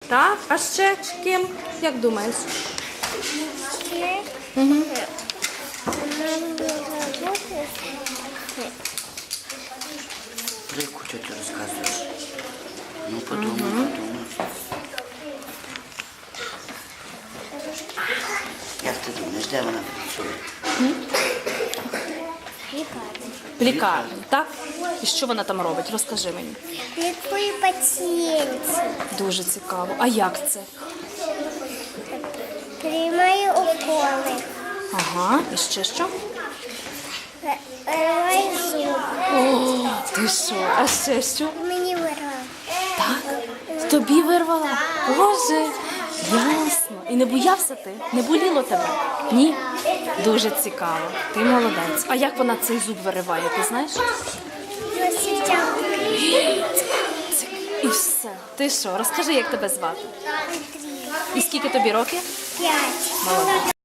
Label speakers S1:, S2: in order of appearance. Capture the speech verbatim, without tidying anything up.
S1: Так? А ще ким? Як думаєш?
S2: Ще
S1: Угу.
S2: нам нужно бути.
S3: Про яку ти розказуєш? Ну, подумай, подумай. Як ти думаєш, де вона працює?
S2: Лікарня.
S1: В лікарні, так? І що вона там робить? Розкажи мені.
S2: Лікує пацієнтів.
S1: Дуже цікаво. А як це?
S2: Приймає уколи.
S1: Ага, і ще що?
S2: Вириває зуби.
S1: О, ти що? А ще що?
S2: Мені вирвав.
S1: Так? Тобі вирвала? Боже, ясно. І не боявся ти? Не боліло тебе? Ні? Дуже цікаво. Ти молодець. А як вона цей зуб вириває, ти знаєш? І все. Ти що? Розкажи, як тебе звати? І скільки тобі років?
S2: П'ять.
S1: Молодець.